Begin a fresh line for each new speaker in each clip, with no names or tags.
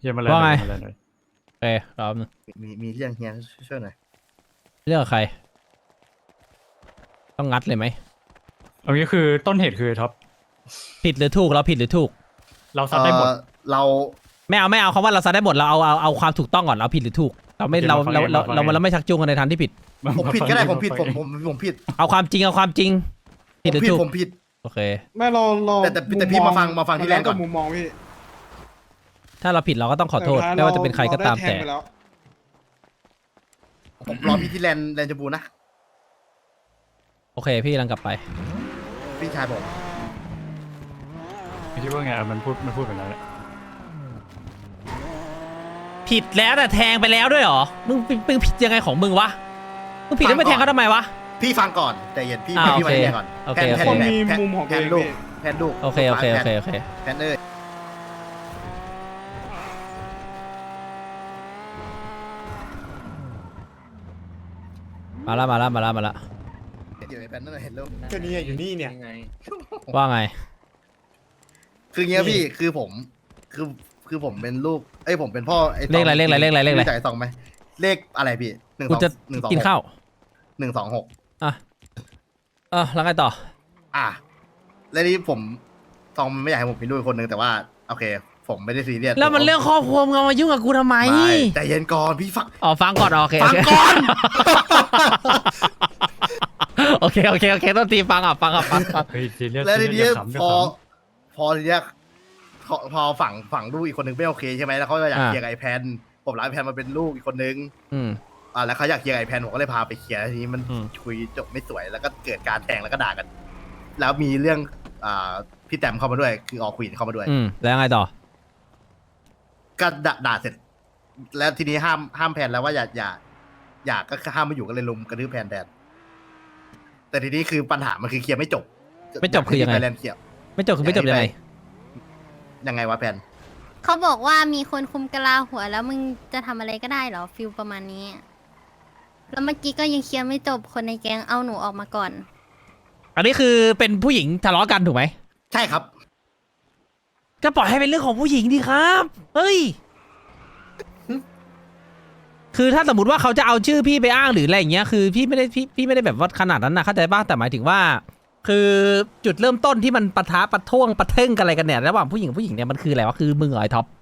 เฮียมาเลย
ว่าไง
มาเลยหน่อย
โอเครอบนึง
มีเรื่องเฮียช่วยหน่อย
เรื่องใคร ต้องงัดเลยไหม
เอางี้คือต้นเหตุคือท็อป
ผิดหรือถูกเราผิดหรือถูก
เราซัดได้หมด
เรา
ไม่เอาคำว่าเราซัดได้หมดเราเอาความถูกต้องก่อนเราผิดหรือถูกเราไม่
โอเค
เรา
มาฟัง
เรา
เอง
เรา
มาฟัง
เรา
เอง
เราไม่ชักจูงกันในทางที่ผิด
ผมผิดก็ได้ผมผิด
ฟังเอง
ผมผิด
เอาความจริงผิดหรือถูก
ผมผิด
โอเค
ไม่เรา
แต่พี่มาฟังที่แรกก่อน
มุมมองพี่
ถ้าเราผิดเราก็ต้องขอโทษไม่ว่าจะเป็นใครก็ตามแต่
เรได้ทงไปล้ว
ผมรอพี่ที่แลนด์จบูนะ
โอเคพี่กำลังกลับไป
พี่ชายผม
ไม่ใช่ว่าไงมันพูดแบบนั้นแหละ
ผิดแล้วแต่แทงไปแล้วด้วยเหรอมึงผิดยังไงของมึงวะมึงผิดแล้วไม่แทงเขาทำไมวะ
พี่ฟังก่อนใจเย็นพี่
อ่า
พี่
โอ
มา
เค
ที่แรกก่อน
โอเค
แพน
คนมี
แพน
มุมของ
แพ
ตัวน เอง
ลูก
พี่
แพนลูก
โอเคโอเคโอเคโอเค
แพนเอ้ย
มาละ
เดี๋ยวไอ้แพนนั่นนะเห็นลูก
ก็นี่อยู่นี่เนี่ย
ว่าไง
คือเงี้ยพี่คือผมคือผมเป็นลูกผมเป็นพ่อไอ้
เลขอะไร
จ่าย2ไหมเลขอะไรพี่1
กูจะ
2
กินข้าว
126
อ่ะแล้วไงต่อ
แล้วนี่ผมตองไม่อยากให้ผมมีลูกอีกคนนึงแต่ว่าโอเค ผมไม่ได้ซีเรียส
แล้วมันเรื่องครอบครัวมึงเอามายุ่งกับกูทำไม
ไม่ใจเย็นก่อนพี่ฟัง
อ๋อฟังก่อนโอเค
ฟังก่อน
โอเคต้องตีฟังฟัง
เฮ้ยซีเรียส
แล้วทีนี้
อย่าขำอย่า
พอ
ขำ
พอทีเนี้ยพอฝั่งลูกอีกคนนึงไม่โอเคใช่ไหมแล้วเขาก็อยากเคลียร์กับไอแพนผมรับไอแพนมาเป็นลูกอีกคนนึง
อืม
แล้วเขาอยากเคลียร์กับไอแพนผมก็เลยพาไปเคลียร์ทีนี้มัน
อืม
คุยจบไม่สวยแล้วก็เกิดการแทงแล้วก็ด่ากัน แล้วมีเรื่องพี่แต้มเข้ามาด้วยคือออควีนเข้ามาด้วย
แล้วไงต่อ
ก็ด่าเสร็จ แล้วทีนี้ห้ามแพนแล้วว่าอย่าก็ห้ามมาอยู่ก็เลยลุมกระทืบแพนแทนแต่ทีนี้คือปัญหามันคือเคลียร์ไม่จบ
ไม่จบคือยังไง
ไปแลนด์เคลียร์
ไม่จบคือไม่จบยังไง
ยังไงวะแพน
เขาบอกว่ามีคนคุมกะลาหัวแล้วมึงจะทำอะไรก็ได้เหรอฟิลประมาณนี้ แล้วเมื่อกี้ก็ยังเคลียร์ไม่จบคนในแก๊งเอาหนูออกมาก่อน
อันนี้คือเป็นผู้หญิงทะเลาะกันถูกไหม
ใช่ครับ
ก็ปล่อยให้เป็นเรื่องของผู้หญิงดีครับเฮ้ยคือถ้าสมมติว่าเขาจะเอาชื่อพี่ไปอ้างหรืออะไรอย่างเงี้ยคือพี่ไม่ได้แบบว่าขนาดนั้นนะเข้าใจป่ะแต่หมายถึงว่า คือจุดเริ่มต้นที่มันปะทะปะท่วงปะเท่งกันอะไรกันเนี่ยระหว่างผู้หญิงกับผู้หญิงเนี่ยมันคืออะไรวะคือมึงเหรอไอ้ท็อป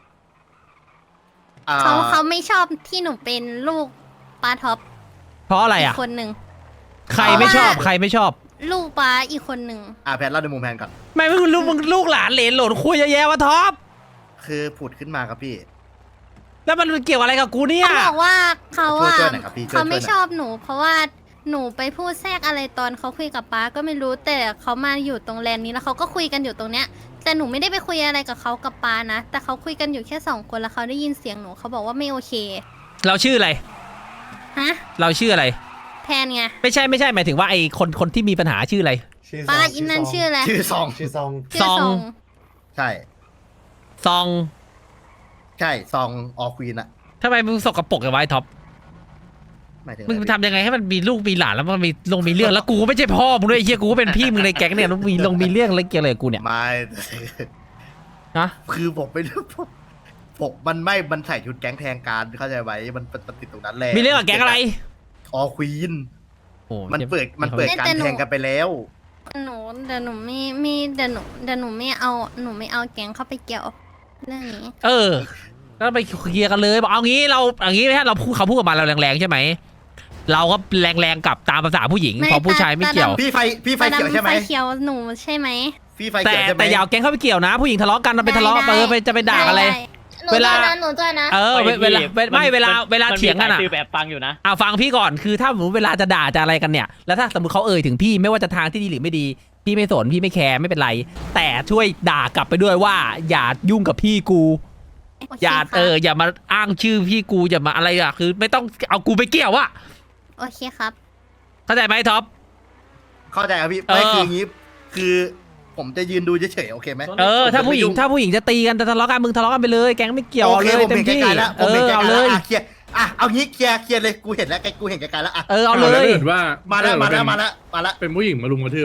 เขาไม่ชอบที่หนูเป็นลูกปลาท็อป
เพราะอะไร
อี
อ่ะ
กคนหนึ่ง
ใครไม่ชอบ
เพราะว่า
ใครไม่ชอบ
ลูกปลาอีกคนหนึ่ง
แพนเล่าในมุมแพนก่อน
ไม่มึงลูกหลานเหลนหลนคุยเยอะแยะวะท็อป
คือผุดขึ้นมาครับพี่
แล้วมันเกี่ยวอะไรกับกูเนี่ย
เขาบอกว่าเขา
ช่วย
อะ
ช่วยหน่อยครับพี่ช่วย
เขาไม่
ช่วยหน่อย
ชอบหนู เพราะว่าหนูไปพูดแทรกอะไรตอนเขาคุยกับป้าก็ไม่รู้แต่เขามาอยู่ตรงแลนด์นี้แล้วเขาก็คุยกันอยู่ตรงเนี้ย แต่หนูไม่ได้ไปคุยอะไรกับเขากับป้านะแต่เขาคุยกันอยู่แค่2 คนแล้วเขาได้ยินเสียงหนูเขาบอกว่าไม่โอเค
เราชื่ออะไร
ฮะ
เราชื่ออะไร
แพนไง
ไม่ใช่หมายถึงว่าไอ้คนที่มีปัญหาชื่ออะไร
ป้าอินนั่นชื่ออะไร
ชื่อซอง
ชื่อซอง
ชื่อ
ซอง
ใช่
ซอง
ใช่ซองออควีนอะ
ทำไมมึงสกปรกกับไว้ท็อป
หมายถึง
มึง
อะไร
ทำยังไงให้มันมีลูกมีหลานแล้วมันมีเรื่องแล้วกูก็ไม่ใช่พ่อมึงด้วยไอ้เฮียกูก็เป็นพี่มึงในแก๊งเนี่ยแล้วมีเรื่องอะไรเกี่ยวอะไรกับกูเนี่ย
ไม่
นะ
คือผมไม่รู้ผมมันใส่ชุดแก๊งแทงการเข้าใจไหมมันติดตรงนั้นแหละ
มีเรื่องกับแก๊งอะไร
ออควีน
โอ้
มันเปิดการแทงกันไปแล้ว
หนูเดี๋ยวหนูไม่เดี๋ยวหนูไม่เอาแก๊งเข้าไปเกี่ยวเรื่องนี้
ก็ไปเคลียร์กันเลยบอกเอางี้ถ้าเราพูดเขาพูดกับมาเราแรงๆใช่ไหมเราก็แรงๆกลับตามภาษาผู้หญิงพอผู้ชายไม่เกี่ยว
พี่ไฟเขียวใช่ไหม
ไฟเขียวหนูใช่ไหม
พี่ไฟ
แต่
เขียวใช่ไหม
แต่อยาวแก๊งเข้าไปเกี่ยวนะ ผู้หญิงทะเลาะกันเราไปทะเลาะไปจะไปด่าอะไร เวลา
หนูด้วยนะ
เวลาเถียงกันอ่ะ
คือแบบฟังอยู่นะ
ฟังพี่ก่อนคือถ้าสมมติเวลาจะด่าจะอะไรกันเนี่ยแล้วถ้าสมมติเขาเอ่ยถึงพี่ไม่ว่าจะทางที่ดีหรือไม่ดี พี่ไม่สนพี่ไม่แคร์ไม่เป็นไร แต่ช่วยด่ากลับไปด้วยว่า อย่ายุ่งกับพี่กู
โเค
อย่า
ครับ
อย่ามาอ้างชื่อพี่กูอย่ามาอะไรอ่ะคือไม่ต้องเอากูไปเกี่ยวอะ
โอเคครับ
เข้าใจไหมท็อป
เข้าใจครับพี่
เออ
ไม่คืออย่างนี้คือผมจะยืนดูเฉยๆโอเคไหม
ถ้าผู้หญิงจะตีกันจะทะเลาะกันมึงทะเลาะกันไปเลยแก๊งไม่เกี่ยว
โอ
เอา
เค
เลย
ผม
เต็ม
เห็น
ที่
ไกลๆแล้วผมเห็นไกล
เอา
ๆ
เล
แล้ว
ย
เคลียร์เอางี้เคลียร์เลยกูเห็นแล้วกูเห็นไกลๆแล้ว
เอาเล
ถ้าย เกิดว่า
มาแล้ว
เป็นผู้หญิงมารุมกระทืบอ่ะ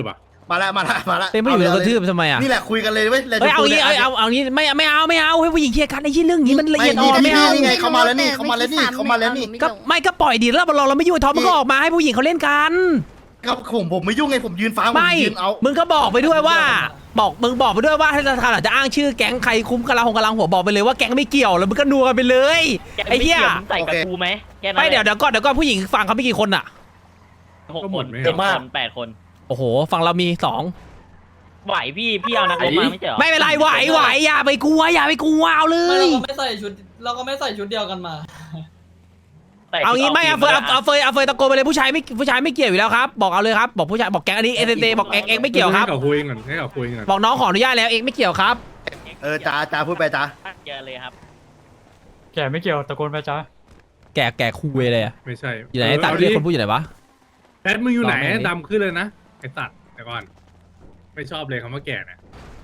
มาแล้ว
เป็นผู้หญิงโดนกระทืบทำไมอ่ะ
นี่แหละคุยกันเลยเว้ย
เฮ้ยเอางี้เอางี้ไม่เอาให้ผู้หญิงเคลียร์กันไอ้ที่เรื่องนี้มันละเอียดอ่อนไม่เอา
นี่ไงเขามาแล้วนี่
ก็ไม่ก็ปล่อยดีแล้วเราไม่ยุ่งท็อปมันก็ออกมาให้ผู้หญิงเขาเล่นกัน
ก็ผมไม่ยุ่งไงผมยืนฟังผม
ไม่
ยืนเอา
มึงก็บอกไปด้วยว่ามึงบอกไปด้วยว่าถ้าธนาคารอาจจะอ้างชื่อแก๊งใครคุ้มกำลังหัวบอกไปเลยว่าแก๊งไม่เกี่ยวแล้วมึงก็นัวกันไปเลยไอ้เหี้ย
ใส่กับกูไหมแค่นั้น
ไม่เดี๋ยวก่อนผู้หญิงฝั่งเขามีกี่คนอ่ะ
6 คน7 คน8 คน
โอ้โหฝั่งเรามี2
ไหวพี่เอานักรบมาไม่ใช่เหรอ
ไม่เป็นไรไหวอย่าไปกลัวเอาเล
ไม่
ย
เราก็ไม่ใส่ชุดเดียวกันมา
เอางี้ไม่เอาเฟยตะโกนไปเลยผู้ชายไม่เกี่ยวอยู่แล้วครับบอกเอาเลยครับบอกผู้ชายบอกแก๊งอันนี้เอเบอกเอ็กไม่เกี่ยวครับ
ให้เขาคุยก่อน
บอกน้องขออนุญาตแล้วเอ็กไม่เกี่ยวครับ
จ้าพูดไปจ้า
เจอเลยครับ
แกไม่เกี่ยวตะโกนไปจ้า
แกคุยเลยอะ
ไม่ใช่
อยู่ไหนตัดเรียกคนพูดอยู่ไหนวะ
แอดมึงอยู่ไหน
ลองแม่งดิ
ดำขึ้นเลยนะไอ้ตัดแต่ก่อน ไม่ชอบเลยคำว่าแก่เนี่ย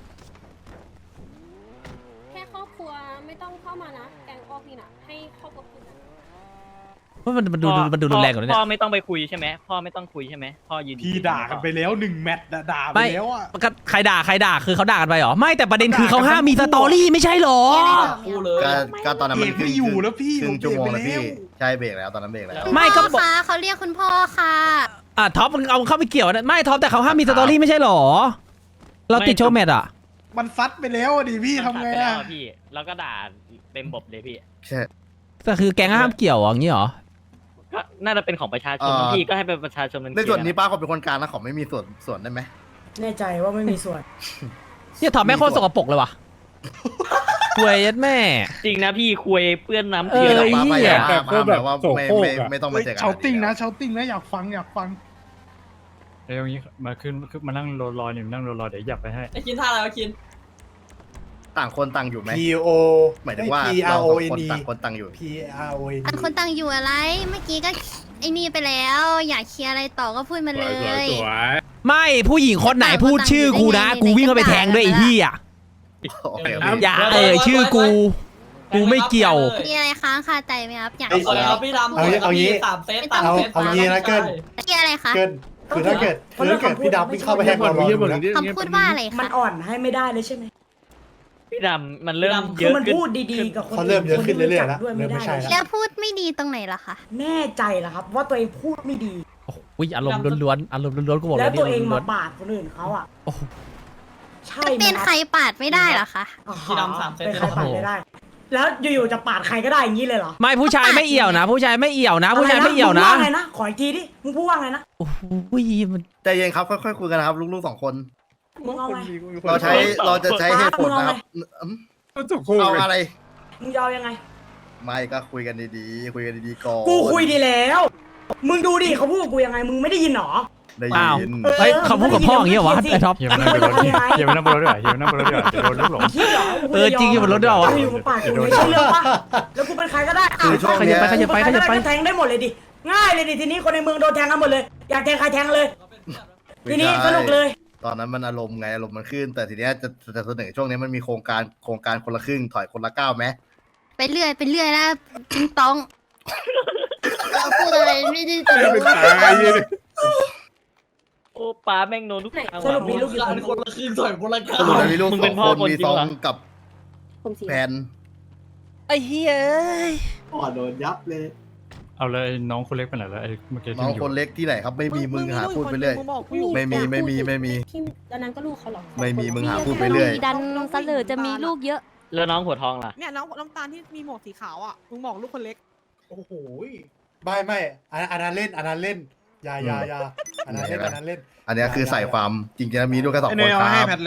แค่ครอบครัวไม่ต้องเข้ามานะ แกงออกนี่นะให้ครอบครัวคุยกัน
มันดูรุนแรงกว่านี้
พ่อ
เนี่ย
ไม่ต้องไปคุยใช่ไหมพ่อไม่ต้องคุยใช่ไหมพ่อยืน
พี่ด่ากันไปแล้ว1 แมตช์ด่าไป
ไม่
แล้วอ่ะ
ใครด่าคือเขาด่ากันไปเหรอไม่แต่ประเด็นคือเขาห้ามมีสตอรี่ไม่ใช่เหรอ
กูเลย
ก็ตอนนั้นมัน
เบรกไม่อยู่แล้วพี่
ครึ่งชั่วโมง
ผม
แล้ว
เบรกไป
พี่
แล้ว
ใช่เบรกแล้วตอนนั้นเบรกแล้ว
ไม่
คุณ
ก็
พ่อ
บอก
คะเขาเรียกคุณพ่อค่ะ
ท็อปมึงเอาเข้าไปเกี่ยวนะไม่ท็อปแต่เขาห้ามมีสตอรี่ไม่ใช่เหรอเราติดโชว์แมทอะ
มันซัดไปแล้วอะดิพี่ทำไง
แล้
อ่ะ
วพี่แล้วก็ด่าเต็มบบเลยพี่
ใช่
แต่คือแก๊งห้ามเกี่ยวอย่างนี้เหรอ
ก็น่าจะเป็นของประชาชนพี่ก็ให้เป็นประชาชนมัน
ในส่วนนี้ป้าเขาเป็นคนกลางนะเขาไม่มีส่วนได้ไหม
แน่ใจว่าไม่มีส่วน
เนี่ยท็อปแม่งโคตรสกปรกเลยว่ะควยยัดแม่
จริงนะพี่คุยเปื้อนน้ำ
เอ
เกลื
อ
อ
ป้าไม่อยาก
แต่
มา
ก็
แบ
แบบ บ
ว่า
โสโครกอะ
ไม่ต้องมาเจอกัน
เชาติ้งนะอยากฟัง
เดี๋ยวอย่างนี้มาขึ้นมานั่งรอเดี๋ยวหยับไปให้
ไอ้คินท่าอะไรวะคิน
ต่างคนต่างอยู่ไหม
P O
หมายถึงว่า
P
เรา
R O
สอง
N
คน
E
ต่างคนต่างอยู่
P R O N
ต่างคนต่างอยู่อะไร เมื่อกี้ก็ไอ้นี่ไปแล้ว อยากเคลียร์อะไรต่อก็พูดมาเลย
สวย
ไม่ผู้หญิงคนไหนพูดชื่อกูนะกูวิ่งเข้าไปแทงด้วยไอ้เหี้ย
โอเค
อย่าชื่อกูไม่เกี่ยว
มีอะไรค้างคาใจไหมครับ อยาก
เอา
เคลียร์
เอาพี่ดำ
เอางี้
3 เซต
เอางี้นะเกิ้ล
เคลียร์อะไรคะ
เกินคือถ้าเกิดพี่ดำไม่เข้าไปแฮก
ก่อน
เรา
เยี่ยม
ดูนะ
คำพูดว่าอะไร
มัน
คะ
อ่อนให้ไม่ได้เลยใช่ไหม
พี่ดำมันเริ่มเย
คือ
อะ
มัน
ขึ้น
พูดดีๆกับคน
เขาเริ่มเยอะขึ้นเรื่อยๆ
ค
แล้ว
ที่
เริ่ม
รู้
ไม่
จัก
ใช่
ด้วย
แล้ว
แล้วพูดไม่ดีตรงไหนล่ะคะ
แน่ใจเหรอครับ ว่าตัวเองพูดไม่ดี
โอ้ยอารมณ์ล้วนๆกูบอก
แล้
แล้ว ว
ตัวเอง
ล้
มาว ปาดคนอื่นเขาอ่ะ
โอ้โห
ใช่ไหม
เป็นใครปาดไม่ได้เหรอคะ
อ๋อ
พี่ดำ3 เซต
เป็นใครปาดไม่ได้ แล้วอยู่ๆจะปาดใครก็ได้อย่างนี้เลยเหรอ
ไม่ผู้ชายไม่เอี่ยวนะ ผู้ชายไม่เอี่ยวนะ ผู้ชายไม่เอี่ยว
มึง
นะ
ว่าไงนะขออีกทีดิมึงพูดว่าไงนะ
โอ้โหมัน
ใจเย็นครับค่อยๆคุยกันนะครับลูกๆ2 คน
มึงเอาไง
เราจะใช้เหตุผลนะครับ
ก็จบโคตร
เอา
เลย
อะไร
มึงจะเอายังไง
ไม่ก็คุยกันดีๆก่อน
กูคุยดีแล้ว มึงดูดิเขาพูดกับกูยังไงมึงไม่ได้ยินหรอ
ได้
อ้าว
ยิน
เฮ้ยเขาพูดกับพ่ออย่างเงี้ยวะไอ้ท็อป
เฮียมานั่งบนรถเฮียมานั่งบนรถด้วยเฮียมานั่งบนรถด้วยเดี๋ยวโดนลูกหลง
คิดเหรอ
จริงอยู่บนรถด้วยเหรอวะ
กูอยู่บนปากกูไม่ใช่เรื่องปะแล้วกูเป็นใครก็ได้
คือช่วงเนี้ย
ขยับไป
ก็แทงได้หมดเลยดิ ง่ายเลยดิทีนี้คนในเมืองโดนแทงกันหมดเลย อยากแทงใครแทงเลย ทีนี้สนุกเลย
ตอนนั้นมันอารมณ์มันขึ้น แต่ทีเนี้ยจะเสนอช่วงนี้มันมีโครงการคนละครึ่งถอยคนละก้าวไหม
ไปเรื่อยแล้วจิงต้องเราพูดอะไรไม่ได้จะ
เป็นตายเลย
โอ้ป้าแม่งโดนทุกทาง
สรุปมีลูกกี่
อัน
ค
คน นละคืนถอยคนละกา
สรุปแล้วมีลูก
มึง
ส
เป็
อน ง
พ่อ
คน
คน
มี
จริ
ซ
ง
อง
เหรอ
กับ
ผมสี
แพน
ไอ้เหี้ย
อ๋อโดนยับเลย
เอาเลยน้องคนเล็กไปไหนแล้วไอ้เมื่อกี้
น้องคนเล็กที่ไหนครับไม่มีมึงหาพูดไปเรื่อย ไม่มี
ที่ตอนนั้นก็ลูกเขาหรอ
ไม่มีมึงหาพูดไปเรื่อย
ดันเสลอจะมีลูกเยอะ
แล้วน้องหัวทองล่ะ
เนี่ยน้องน้ำตาลที่มีหมวกสีขาวอ่ะมึงบอกลูกคนเล็ก
โอ้โหไม่อันนั้นเล่นอย่าอันนั้นเล่น
อันเนี้ยคือใส่ความจริงๆแล้วมีลูกแค่2 คนครับ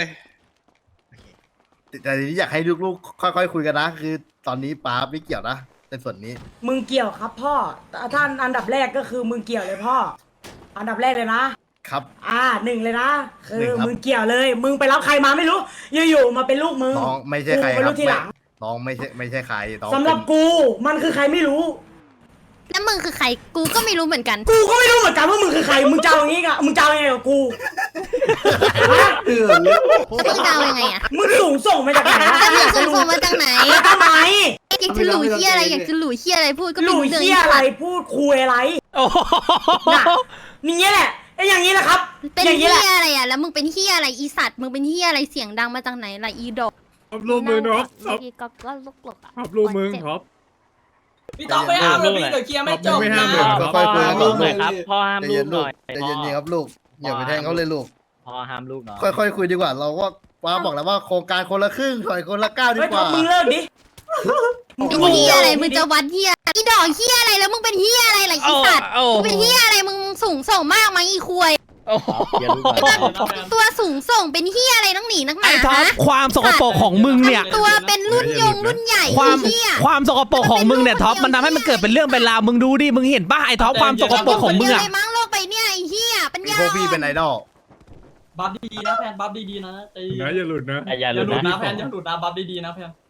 แต่ทีนี้อยากให้ลูกๆค่อยๆคุยกันนะ คือตอนนี้ป้าไม่เกี่ยวนะในส่วนนี้
มึงเกี่ยวครับพ่อท่านอันดับแรกก็คือมึงเกี่ยวเลยพ่อ อันดับแรกเลยนะ
ครับ
1เลยนะ คื
หนึ่
อง
ครับ
มึงเกี่ยวเลย มึงไปรับใครมาไม่รู้ อยู่ๆมาเป็นลูกมึง
น้องไม่ใช่ใคร
กู
ค
ไป
รับ
รู้ทีหลัง
น้องไม่ใช่ใครน้อง
สำหรับ
เป็น
กู มันคือใครไม่รู้
แล้วมึงคือใครกูก็ไม่รู้เหมือนกัน
กูก็ไม่รู้เหมือนกันว่ามึงคือใคร มึงจะเอาอย่างงี้กะมึงจะเอายังไงกับกูฮะ
แล้วมึงจะเอายังไงอะ
มึงสูงส่งมาจากไหนอะ
แล้วมึงสูงส่งมาจากไหน
แล้วทำไม
อยากจะหลู่เฮียอะไรอยากจะหลู่เฮียอะไรพูดก็
ห
ไม่
ลุย
รู้เรื่อง
เชี่ยอะไรพูดคุยอะไร
โอ้โห
น่ะนี่แหละไอ้อย่างนี้แหละครับ
เป็น
อย่างนี้
เฮี
แหละ
ยอะไรอ่ะแล้วมึงเป็นเฮียอะไรอีสัตว์มึงเป็นเฮียอะไรเสียงดังมาจากไหนล่ะอีดอก
ท็อปรูปมึงท็อปท็อป
ก็ก็ลุกหลบอ่ะ
ท็อปรูปมึงท็อป
พี่ต้องไปห้ามเลยพี่เดี๋ยวเคลียร์ไม่จบ
ไม่ห้ามเลย
นะ
ค่อยๆคุยกันก่อน
หน่อยครับพ่อห้าม
ใจ
ลู
เย็
ก
น
ห
ลู
น่
ก
อย
ใจเย็นๆครับลูกอย่าไปแทงเขาเลยลูก
พ่อห้ามลูกหน่อย
ค่อยๆคุยดีกว่า เราก็ป้าบอกแล้วว่าโครงการคนละครึ่งถอยคนละก้าวดี
เฮ้ย
ก
ท็อ
ว่า
ปมึงเลิกดิ
มึงเป็นเฮียอะไรมึงจะวัดเฮียอีดอกเฮียอะไรแล้วมึงเป็นเฮียอะไรล่ะอีสัตว์มึงเป็นเฮียอะไรมึงสูงส่งมากมั้งอีควย
อย่าลูกหน่อย
ตัวสูงส่งเป็นเฮียอะไรต้องหนีนักหนา
ไอ้ท็อป
ฮะ
ความสกปรกของมึงเนี่ย
ตัวเป็นรุ่นรุ่นใหญ่
ความ
เฮีย
ความสกปรกของมึงเนี่ยท็อปมันทำให้มันเกิดเป็นเรื่องเป็นราวมึงดูดิมึงเห็นป่ะไอ้ท็อปความสกปรกของมึง
เดียว
อะ
เลยมั้งโลกไปเนี่ยไอ้เฮียเป็น
มี
ยา
พวกพี่เป็นไอดอล
บัฟดีๆนะแพนบัฟดีๆนะใจเย็น
นะอย่าหลุดนะ
อย่า
อย่า
ห
ห
ลุ
ลุ
ด
ด
นะ
นะแพนอย่าหลุดนะบัฟดีๆนะแพน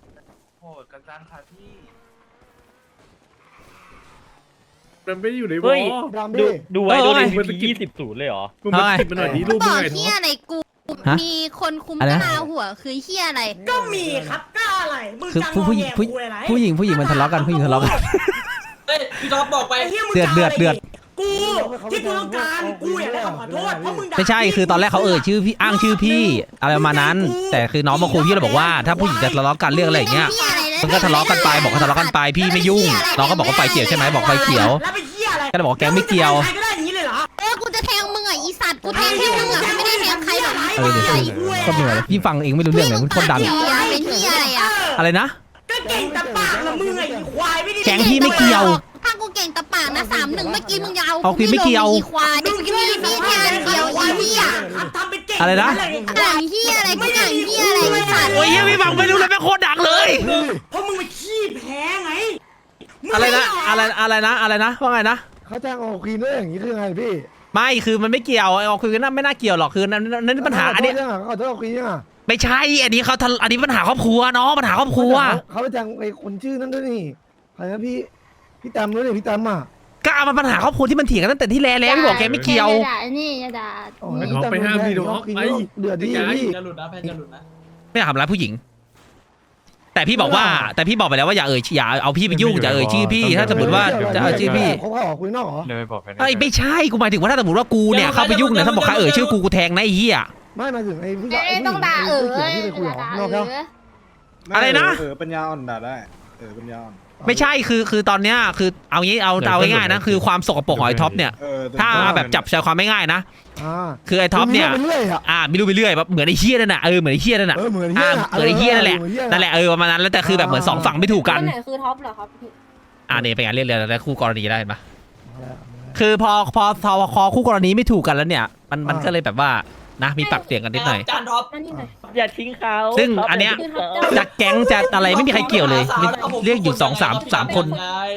มันไม่อยู่ในวอ
เฮ้ย
ดำ
ดู
ดิ
ดูไว้ดู
เออ
ดิ20-0เลยเหรอ
มึงมาติดมันหน่อยดิรูป
บ
มึง
อก
ไงท็
เฮี
อย ป
อะไรกู
ฮะ
มีคนคุม
อะไร
ก
นะ
ระลาหัวคือเฮียอะไร
ก็มีครับก็อะไรมึง
คือ
จะง
ผู้
อ
หญิ
แง
ง
คุยอะไร
ผู้หญิงมันทะเลาะกันผู้หญิงทะเลาะกัน
เฮ้ยพี่ท็อปบอกไป
ไอ้เหี้ยมึง
เดือด
จะาะไร
เดือด
กูที่กูต้องการกูอยากได้คำขอโทษเพราะมึงด่า
ไม่ใช่คือตอนแรกเขาชื่อพี่อ้างชื่อพี่อะไรประมาณนั้น แต่คือน้องมาคุยพี่เราบอกว่าถ้าผู้หญิงจะทะเลาะกันเรื่องอะไรอย่างเงี้ย มันก็ทะเลาะกันไปบอกว่าทะเลาะกันไปพี่ไม่ยุ่งน้องก็บอกว่าไฟเขียวใช่ไหมบอกไฟเขียว
แล้วไปเหี้ยอะไร
ก็เลยบอกว่าแกไม่เกี่ยว
ใครก็ได้อย่างนี้เลยเหรอ
กูจะแทงมึงอ่ะอีสัตว์กูแทงแค่มึงอ่ะไม่ได้แทงใครหรอก
เออเดี๋ยวก็เหนื่อยเลยพี่ฟังเองไม่รู้เรื่องเลยมันโคตรดัง
เฮียเป็นเฮียอะไรอ่ะ
อะไรนะ
ก็เก่งแต่ปากละมึงไอ้ควายไม่ได้
แก๊งพี่ไม่เกี่ยว
ถ้ากูเก่งตะปากนะ3-1เมื่อกี้มึงจะเอา
เอาพี่ไม่เกี่ยว
อีควายมึงจะมีพี่แทนเดียวอีเฮีย
ทำเป็นเก่ง
อะไรนะ
อ่างเฮียอะไรกูอ่างเฮียอะไรอีสัตว์
โอ้ยพี่ฟังไม่รู้เลยแม่งโคตรดังเลย
เพราะมึงไปขี้แพ้ไงมึง
อะไรนะ
ม่
อะไรนะว่าไงนะ
เขาจ้างออกควีนด้วยอย่างนี้คือไงพี่
ไม่คือมันไม่เกี่ยวไอ้ออกคือนั่นไม่น่าเกี่ยวหรอกคือนั่นปัญหาอันนี้
เขาจะออกควีนยังอ่ะ
ไม่ใช่อันนี้เขาอันนี้ปัญหาครอบครัวเนาะปัญหาครอบครัว
เขาไปจ้างไอ้คนชื่อนั้นด้วยนี่ใครนะพี่แตมด้วยนี่พี่แตมอ่ะ
ก็เอามาปัญหาครอบครัวที่มันเถียงกันตั้งแต่ที่แล้วพี่บอกแกไม่เกี่ยว
อย่าด่านี่อย่าด่า
อ๋อ
ไอ้ท็อปไปห้ามดิท็อปไป
เดือดดีพี่
อย่าหลุดนะแพนอย่าหลุดนะ
ไม่อยากทำร้ายผู้หญิง แต่พี่บอกไปแล้วว่าอย่าเอาพี่ไปยุ่งอย่าชื่อพี่ถ้าสมมติว่าจะเอาชื่อพี่
เขาออกคุยนอกเหรอ
เดี๋ยวไปบอกไปนะ
เอ้ยไม่ใช่กูหมายถึงว่าถ้าสมมติว่ากูเนี่ยเข้าไปยุ่งเนี่ยถ้าบอกใครชื่อกูแทงนะไอ้เหี้ย
ไม่มาถึงไอ้ผู้ชาย
ต้องด่า
ที่ไปคุยหรอนอกแล้ว
อะไรนะ
ปัญญาอ่อนด่าได้ปัญญาอ่อน
ไม่ใช่คือตอนเนี้ยคือเอางี้เอาง่ายๆนะคือความสกปรกของไอ้ท็อปเนี่ยถ้าแบบจับใจความไม่ง่ายนะคือไอ้ท็อปเนี่ยไม่รู้ไปเรื่อยแบบเหมือนไอ้เหี้ยนั่นน่ะเหมือนไอ้เหี้ยนั่นน่ะ
เหมือน
เหมือนไอ้เหี้ยนั่นแหละประมาณนั้นแล้วแต่คือแบบเหมือนสองฝั่งไม่ถูกกัน
คนไหนคือท็อปเหรอครับพี่
เนี่ยเป็นการเรียกเรียนแล้วคู่กรณีได้เห็นปะคือพอคู่กรณีไม่ถูกกันแล้วเนี่ยมันก็เลยแบบว่านะมีปากเสียงกันนิดหน่อย
จานท็อป
นั่นนี่ไง
อย่าทิ้งเขา
ซึ่งอันเนี้ย
คือท็อป
จะแก๊งจะอะไรไม่มีใครเกี่ยวเลยเรียกอยู่2-3 คน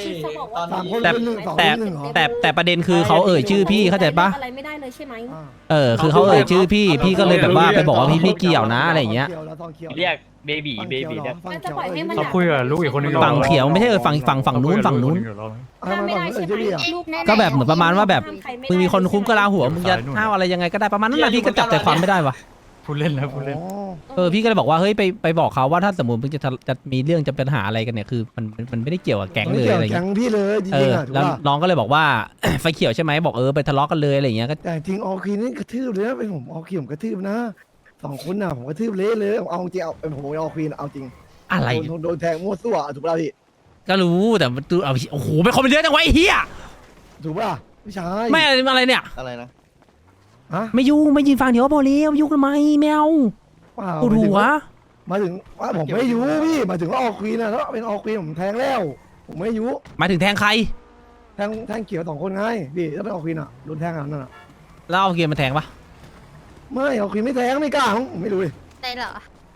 แต่ประเด็นคือเขาชื่อพี่เข้าใจปะ
อะไรไม่ได้เลยใช่ไหม
คือเขาชื่อพี่ก็เลยแบบว่าไปบอกว่าพี่ไม่เกี่ยวนะอะไรอย่างเงี้ย
เรียกเบบีเบบีเนี่ย
จะปล่อยให้มัน
เขาคุยกับลูกอีกคนนึง
ฝั่งเขียวไม่ใช่ฝั่งนู้น
ห้ามไม่ได้ใช่ไหมลูกแน่ๆ
ก็แบบเหมือนประมาณว่าแบบ
ห้ใครไได้
มึงมีคนคุ้มกะลาหัวมึงจะห้าวอะไรยังไงก็ได้ประมาณนั้นนะพี่ก็จับใจความไม่ได้วะ
พูดเล่นแล้วพูดเล่น
พี่ก็เลยบอกว่าเฮ้ยไปบอกเขาว่าถ้าสมมติมึงจะมีเรื่องจะเป็นปัญหาอะไรกันเนี่ยคือมันไม่ได้เกี่ยวกับแก๊งเลยอะไร
แก๊
เงี้
ง
ย
พี่เลยจริงๆอ่ะ
แล้วน้องก็เลยบอกว่า ไฟเขียวใช่ไหมบอกไปทะเลาะกันเลยอะไรอย่างเงี้ยก็
แต่จริงออคีนี่กระทืบเลยนะเป็นผมออคีผมกระทืบนะ2 คนน่ะผมกระทืบเละเลยเอาจริงเอาเป็นผมออคีเอาจริง
อะไร
โดนแทงมั่วซั่วถูกป่ะพี่
ก็รู้แต่มันเอาโอ้โหเป็นคนเป็นเยอะจังวะไอ้เหี้ย
ถูกป่ะพี่ชาย
ไม่อะไรเนี่ย
อะไรนะ
ฮะ
ไม่ยุ่งไม่ยินฟังเดี๋ยวพอแล้วยุ่งทำไมแมว
เปล่า
ปวดหัว
มาถึงว่าผมไม่ยุพี่มาถึงว่าออคีนะแล้วเป็นออคีผมแทงแล้วผมไม่ยุ
หมายถึงแทงใคร
แทงเขียว2 คนไงพี่แล้วเป็นออคีน่ะโดนแทงนั่นน่ะ
แล้วเอาเกียร์มาแทงปะ
ไม่ออคีไม่แทงไม่กล้าผมไม่รู้เลย
ได้เหรอ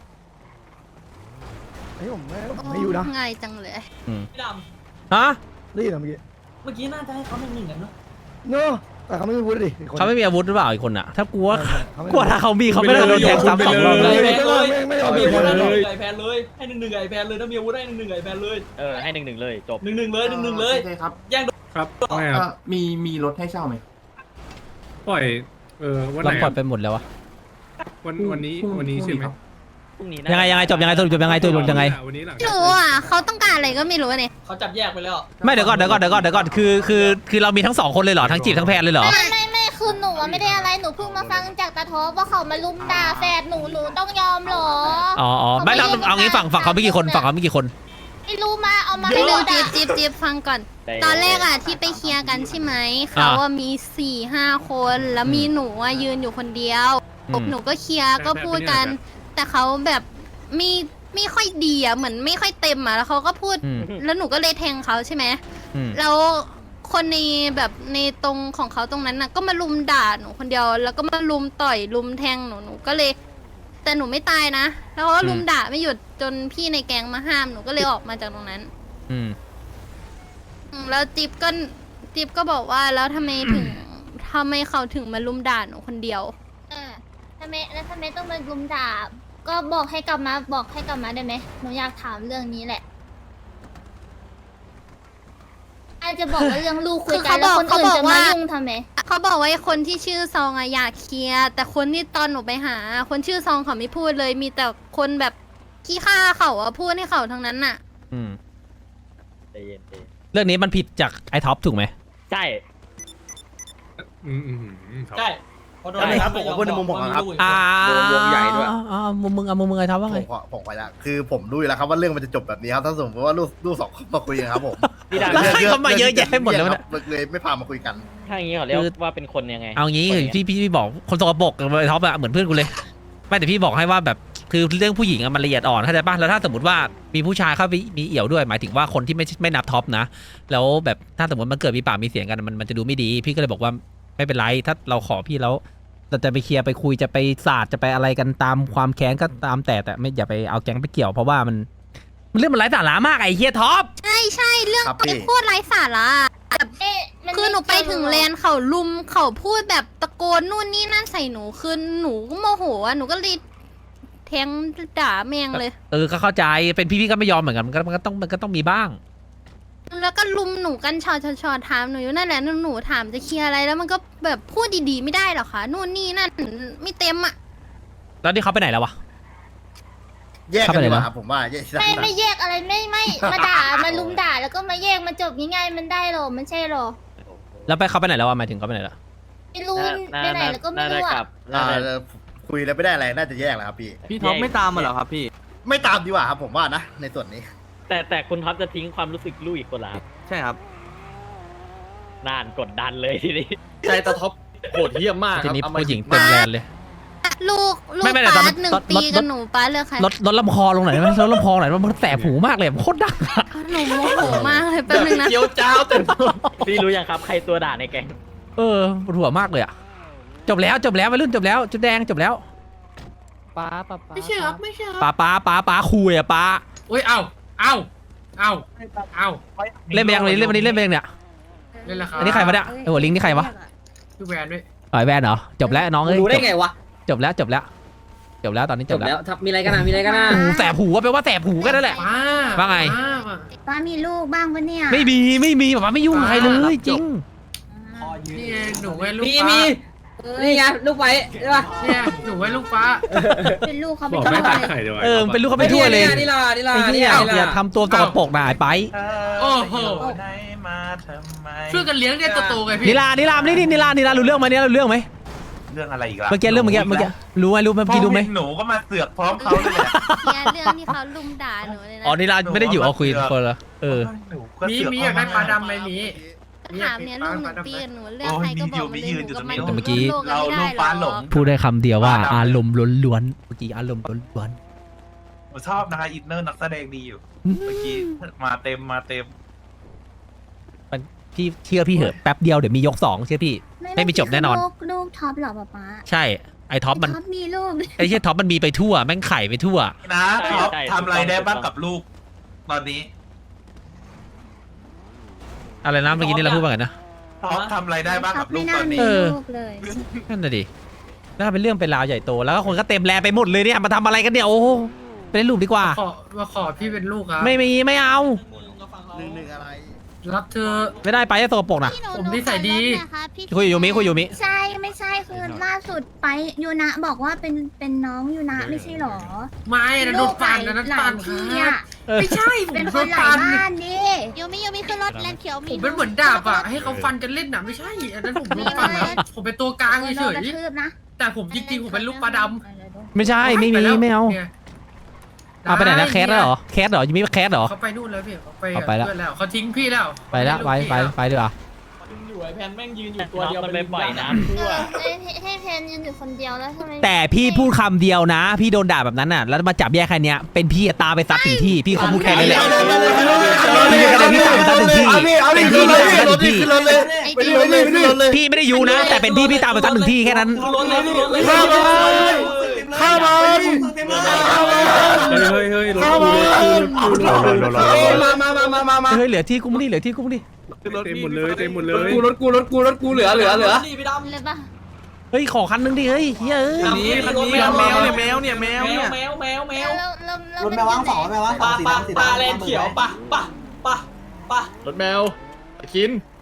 ไอ้ผมไม่ยุนะ
ง่ายจังเลย
พี่ด
ฮะ
ได้ยินเมื่อกี้
ำเมื่อกี้น่าจะให้เขาหนึ่งกันเนาะ
เนาะแต่เขาไม่พูดดิ
เขาไม่มีอาวุธหรือเปล่าอีกคนอ่ะถ้ากลัว
เขาไม่
กลัวถ้าเขามีเขาไม่ได้โดนแทงซ้ำ2 รอบเลย
ไม่เอา
มี
ไป
อาวุธ
เลย
ไอแพนเลยให้1-1ไอแพนเลยถ้ามีอาวุธให้1-1ไอแพนเลย
ให้1-1เลยจบ
1-1เลย1-1เลย
ครับ
ครับไม่ครับ
มีรถให้เช่าไหม
ปล่อยวันไห
เรา
น
ปล่อยไปหมดแล้ววะ
วันนี้ใช่ไหม
พรุ่งนี้
ยังไงจบยังไงสรุปจบยังไงตัวยังไง
วันนี้หลัง
ไม่รู้อ่ะเขาต้องการอะไรก็ไม่รู้เนี่ย
เขาจับแยกไปแล้ว
ไม่เดี๋ยวก่อนคือเรามีทั้ง2 คนเลยเหรอทั้งจีบทั้งแพนเลยเหรอ
ไม่คือหนูไม่ได้อะไรหนูเพิ่งมาฟังจากตาทอว่าเขามาลุมด่าแฟนหนูต้องยอมหรอ
อ๋อไม่เราเอางี้ฝั่งเขาไม่กี่คนฝั่งเขาไม่กี่คน
ไม่รู้มาเอามาให้ดูจิ๊บฟังก่อน ตอนแรกอะที่ไปเคลียร์กันใช่ไหมเขาว่ามี4-5 คนแล้วมีหนูอะยืนอยู่คนเดียวหนูก็เคลียร์ก็พูดกัน แต่เขาแบบไม่ค่อยดีอะเหมือนไม่ค่อยเต็มอะแล้วเขาก็พูดแล้วหนูก็เลยแทงเขาใช่ไหมแล้วคนในแบบในตรงของเขาตรงนั้นน่ะก็มาลุมด่าหนูคนเดียวแล้วก็มาลุมต่อยลุมแทงหนูก็เลยแต่หนูไม่ตายนะแล้วเขาก็ลุมด่าไม่หยุดจนพี่ในแก๊งมาห้ามหนูก็เลยออกมาจากตรงนั้นแล้วจิ๊บก็บอกว่าแล้วทำไมเขาถึงมาลุมด่าหนูคนเดียวทำไมต้องมาลุมด่าก็บอกให้กลับมาได้ไหมหนูอยากถามเรื่องนี้แหละอาจจะบอกว่าเรื่องลูกคุยกันแล้วคนอื่นจะมายุ่งทำไมเขาบอกว่าคนที่ชื่อซองอะอยากเคลียร์แต่คนที่ตอนหนูไปหาคนชื่อซองเขาไม่พูดเลยมีแต่คนแบบขี้ข้าเขาอะพูดให้เขาทั้งนั้นน่ะ
ใจเย็น
เรื่องนี้มันผิดจากไอ้ท็อปถูกไหม
ใช่
ใช่พอโดน
ครับผมพูดในมุมผมครับ
โดนวงใหญ่ด้วย
มุมมึงไอ้ท็อปว่าไง
ผมไปละคือผมรู้อยู่แล้วครับว่าเรื่องมันจะจบแบบนี้ครับถ้าสมมติว่าลูกสองคนมาคุยกันครับผม
พี่ดา
แล้วให้เขามาเยอะแยะหมดแล้วเนี่ย
เลยไม่พามาคุยกัน
ถ้าอย่างนี้เขาเรียกว่าเป็นคนยังไง
เอางี้พี่บอกคนสกปรกกับไอ้ท็อปอะเหมือนเพื่อนกูเลยไม่แต่พี่บอกให้ว่าแบบคือเรื่องผู้หญิงอะมันละเอียดอ่อนเข้าใจป่ะแล้วถ้าสมมติว่ามีผู้ชายเข้าไปมีเอี่ยวด้วยหมายถึงว่าคนที่ไม่นับท็อปนะแล้วแบบถ้าสมมติมันเกิดมีปากมีเสียงกันมันจะดูไม่ดีพี่ก็เลยบอกว่าไม่เป็นไรถ้าเราขอพี่แล้วเราจะไปเคลียร์ไปคุยจะไปศาสตร์จะไปอะไรกันตามความแค้นก็ตามแต่ไม่อย่าไปเอาแก๊งไปเกี่ยวเพราะว่ามันเรื่องมันไร้สาระมากไอ้เฮียท็อป
ใช่เรื่องโคตรไร้สาระแบบคือหนูไปถึงแลนเขาลุมเขาพูดแบบตะโกนนู่นนี่นั่นใส่หนูคือหนูก็โมโหอะหนูก็เลยแทงด่าแมงเลย
ก็เข้าใจเป็นพี่ก็ไม่ยอมเหมือนกันมันก็ต้องมีบ้าง
แล้วก็ลุมหนูกันชอถามหนูอยู่นั่นแหละหนูถามจะเคลียร์อะไรแล้วมันก็แบบพูดดีๆไม่ได้หรอคะนู่นนี่นั่นไม่เต็มอะ
แล้วนี่เขาไปไหนแล้ววะ
แยกกันดีกว่าครับผมว่า
ไม่แยกอะไรไม่มาด่ามาลุมด่าแล้วก็มาแยกมาจบง่ายๆมันได้หรอมันใช่หรอ
แล้วไปเขาไปไหนแล้ววะหมายถึงเขาไปไหนแล้ว
ไม่รู้ไปไหนแล้วก็ไม่รู้อะ
คุยแล้วไม่ได้อะไรน่าจะแยกแล้วครับ
พี่ท็อปไม่ตามมาเหรอครับพี่
ไม่ตามดีกว่าครับผมว่านะในส่วนนี้
แต่คุณท็อปจะทิ้งความรู้สึกลูกอีกคนละ
ใช่ครับ
นานกดดันเลยทีนี้
ใจตาท็อปโหดเหี้ยมมาก
ทีนี้ผู้หญิงเต็มแลนเลย
ลูกป้า1 ปีกับหนูป้าเลือกใคร
ลดลำคอลงหน่อยไหมลดลำคอหน่อยมันแสบหูมากเลยโคตรดัง
หนูโมโหมากเลยแป๊บนึงนะ
เจียวจ้าวเต็ม
พี่รู้ยังครับใครตัวด่าในแก๊ง
ปวดหัวมากเลยอะจบแล้ววัยรุ่นจบแล้วจุดแดงจบแล้ว
ป้า
ไม่ใช่ครับ
ป้าคุยอะป้า
อุ้ยเอา
เล่นไปยังเล่นวันนี้เล่นไปยังเนี่ย
เล่นแล้วครับ
อันนี้ใครมาเนี่ยหัวลิงนี่ใครวะ
พี่แวนด้วย
แวนเหรอจบแล้วน้อง
รู้ได้ไงวะ
จบแล้วตอนนี้จบแล้ว
มีอะไรกันนะ
แสบหูแปลว่าแสบหูกันนั่นแหละว่าไง
ป้ามีลูกบ้างปะเนี่ย
ไม่มีป้าไม่ยุ่งใครเลยจริง
นี่หนูไว้ลูก
ฟ้านี่ไงลูกไฟใช่ป่ะ
เนี่ยหนูไว้ลูกฟ้า
เป็นลูกเขาไม่ทั่ว
เลยเป็นลูกเขาไม่ทั่วเลย
นี่ล่ะ
อย่าทำตัวสกปรกหน่ายไป
โอ้โหช่วยกันเลี้ยงได้โตๆไงพี่
นิลารู้เรื่องไหมเนี่ยรู้เรื่องไหม
เรื่องอะไรอีกล่ะ
เมื่อกี้รู้ไหมเมื่อกี้ดูไหม
หนูก็มาเสือกพร้อมเขาเลย
เรื่องที่เขาลุมด่าหนูเลยนะ
นิลาไม่ได้อยู่เอาคุยคนละ
มีอยากได้ปลาดำไหมมี
ถามเนี่ยลูก1 ปีหนูเลือกใครก็บอกมาเลยหนูก็ไม่
เมื่อกี้
เราลูกฟ้าหลง
พูดได้คำเดียวว่าอารมณ์ล้วนเมื่อกี้อารมณ์ล้วน
ผมชอบนะคะอินเนอร์นักแสดงดีอยู่เมื่อกี้มาเต็ม
พี่เชื่อพี่เหอะแป๊บเดียวเดี๋ยวมียก2เชื่อพี่ไม่มีจบแน่นอน
ลูกท็อปหรอป๊า
ใช่ไอ้ท็อปมัน
มีลูก
ไอ้เชี่ยท็อปมันมีไปทั่วแม่งไข่ไปทั่ว
นะท็อปทำอะไรได้บ้างกับลูกตอนนี้
อะไรนะเมื่อกี้นี่เราพูดว่าไงนะ
ท็อปทำอะไรได้บ้างกับลูกตอนนี้
นั่นน่ะดิน่าเป็นเรื่องเป็นราวใหญ่โตแล้วก็คนก็เต็มแลไปหมดเลยเนี่ยมาทำอะไรกันเนี่ยโอ้ไปเล่นลูกดีกว่า
มาขอพี่เป็นลูกครับ
ไม่เอา
1อะไร
รับเธอ
ไม่ได้ไปจะโตปกนะ
ผมนิสัยดี
คุยอยู่มิ
ใช่ไม่ใช่คือล่าสุดไปยูนะบอกว่าเป็นน้องยูนะไม่ใช่หรอ
ไม่นะโดนฟันนะนั่นฟัน
พี่
ไม่ใช่ผมโดนฟัน
ยูมิขึ้นรถแลนเขียว
ผมเป็นเหมือนดาบอ่ะให้เขาฟันกันเล่นน่ะไม่ใช่อันนั้นผมโดนฟันนะผมเป็นตัวกลางเฉยๆแต่ผมจริงๆผมเป็นลูกปลาดำ
ไม่ใช่ไม่มีไม่เอาเอาไปไหนนะแคสแล้วเหรอแคสเหรอยูมิแคสเหรอ
เขาไปนู่นแล้วพี่เขาไป
เอาไปแล้ว
เพื่อนแล้วเขาทิ้งพี่แล้ว
ไปแล้วไปดีกว่า
อยู่ไอ้แพนแม่งยืนอยู่ตัวเดียว
มันไปปล่อยน้ำทั่ว
ให้แพนยืนอยู่คนเดียวแล้วทำไม
แต่พี่พูดคำเดียวนะ พี่โดนด่าแบบนั้นน่ะแล้วมาจับแยกแค่เนี้ยเป็นพี่ตามไปซัดถึงที่พี่เขาพูดแค่นี้แหละพี่ตามไปซัดถึงที่เป็นพี่พี่ตามไปซัดถึงที่
ขึ้นรถเลยไปรถเลยไปรถเลย
พี่ไม่ได้อยู่นะ แต่เป็นพี่ตามไปซัดถึงที่แค่นั้น
ข้าวมัน
เฮ้ย
ข้าวมัน
มา
เฮ้ยเหลือที่กูไม่ได้
เต็มหมดเลยรถกูเหลือ
นี่พี่ดำ
เลยปะ
เฮ้ยขอคันนึงดิเฮ้ยเฮ้ย
คันนี้แมวเนี่ยแมว
แมว
รถแมวว่างสอง
ปลาแลนเขียวปะ
รถแมวกิน